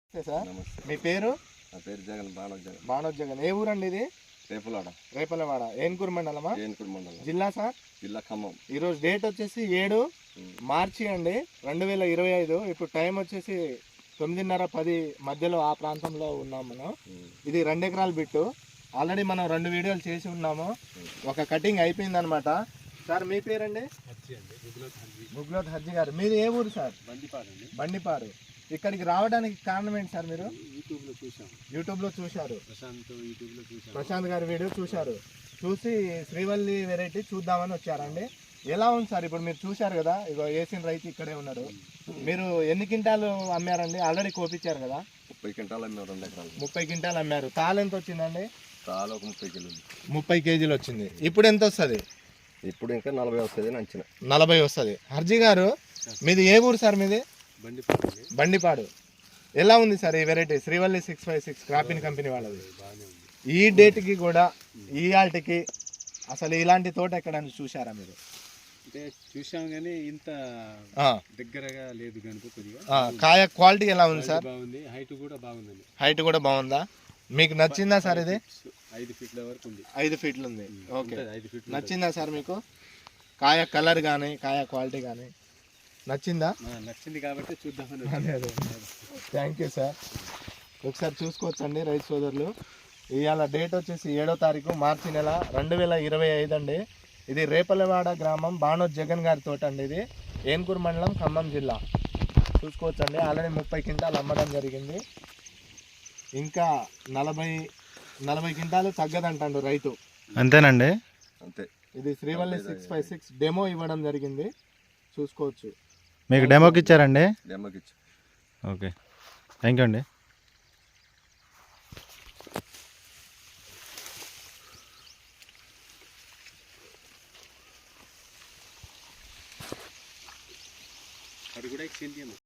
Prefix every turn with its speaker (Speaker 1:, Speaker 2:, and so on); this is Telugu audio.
Speaker 1: సార్
Speaker 2: నమస్తే.
Speaker 1: మీ పేరు?
Speaker 2: నా పేరు జగన్, బాణోజ్ జగన్.
Speaker 1: బాణోజ్ జగన్. ఏ ఊరండి ఇది?
Speaker 2: రేపులాడ,
Speaker 1: రేపలవాడ. ఏన్కూరు మండలమా?
Speaker 2: ఏన్కూరు మండలం,
Speaker 1: జిల్లా సార్?
Speaker 2: జిల్లా ఖమ్మం.
Speaker 1: ఈరోజు డేట్ వచ్చేసి 7 మార్చి అండి 2025. ఇప్పుడు టైం వచ్చేసి 9:30, 10 మధ్యలో ఆ ప్రాంతంలో ఉన్నాం మనం. ఇది 2 ఎకరాల బిట్టు. ఆల్రెడీ మనం 2 వీడియోలు చేసి ఉన్నాము. ఒక కటింగ్ అయిపోయింది అనమాట. సార్ మీ పేరండి? గుగ్లోత్ హజ్జీ గారు. మీది ఏ ఊరు సార్? బండిపారు. ఇక్కడికి రావడానికి కారణం ఏంటి సార్? మీరు యూట్యూబ్లో చూశారు, ప్రశాంత్ గారి వీడియో చూశారు. చూసి శ్రీవల్లి వెరైటీ చూద్దామని వచ్చారండి. ఎలా ఉంది సార్? ఇప్పుడు మీరు చూశారు కదా, ఇగో వేసిన రైతు ఇక్కడే ఉన్నారు. మీరు ఎన్ని క్వింటాలు అమ్మారండి? ఆల్రెడీ కోపించారు కదా.
Speaker 2: 30 క్వింటాలు అమ్మారు, 2 ఎకరాలు.
Speaker 1: 30 క్వింటాలు అమ్మారు. తాలు ఎంత వచ్చిందండి?
Speaker 2: తాలు ఒక 30 కిలోలు.
Speaker 1: 30 కేజీలు వచ్చింది. ఇప్పుడు ఎంత వస్తుంది?
Speaker 2: ఇప్పుడు ఇంకా 40 వస్తుంది అని అంచనా.
Speaker 1: 40 వస్తుంది. హర్జీ గారు మీది ఏ ఊరు సార్? మీది బండిపాడు. ఎలా ఉంది సార్ ఈ వెరైటీ? శ్రీవల్లి 656 క్రాపిన్ కంపెనీ వాళ్ళది. ఈ డేట్కి కూడా ఈ ఆల్ట్కి అసలు ఇలాంటి తోట ఎక్కడైనా చూసారా మీరు?
Speaker 3: అంటే చూసాం కానీ ఇంత దగ్గరగా లేదు కనుక కొద్దిగా.
Speaker 1: కాయ క్వాలిటీ ఎలా ఉంది సార్?
Speaker 3: బాగుంది. హైట్ కూడా బాగుందండి.
Speaker 1: హైట్ కూడా బాగుందా? మీకు నచ్చిందా సార్? ఇది
Speaker 3: 5 ఫీట్ల వరకు ఉంది.
Speaker 1: 5 ఫీట్లు ఉంది. ఓకే,
Speaker 3: 5 ఫీట్లు
Speaker 1: నచ్చిందా సార్ మీకు? కాయ కలర్ కానీ కాయ క్వాలిటీ కానీ నచ్చిందా?
Speaker 3: నచ్చింది కాబట్టి చూద్దామని.
Speaker 1: Thank you sir. ఒకసారి చూసుకోవచ్చండి రైతు సోదరులు. ఇవాళ డేట్ వచ్చేసి 7వ తారీఖు మార్చి నెల 2025 అండి. ఇది రేపలవాడ గ్రామం, బాణోజ్ జగన్ గారి తోట అండి. ఇది ఏన్కూరు మండలం, ఖమ్మం జిల్లా. చూసుకోవచ్చండి. ఆల్రెడీ 30 క్వింటాలు అమ్మడం జరిగింది. ఇంకా 40 క్వింటాలు తగ్గదంటాడు రైతు.
Speaker 4: అంతేనండి.
Speaker 2: అంతే.
Speaker 1: ఇది శ్రీవల్లి 656 డెమో ఇవ్వడం జరిగింది. చూసుకోవచ్చు.
Speaker 4: మీకు డెమోకి ఇచ్చారండి?
Speaker 2: డెమోకి ఇచ్చి.
Speaker 4: ఓకే, థ్యాంక్ యూ అండి.
Speaker 3: అది కూడా ఎక్స్చేంజ్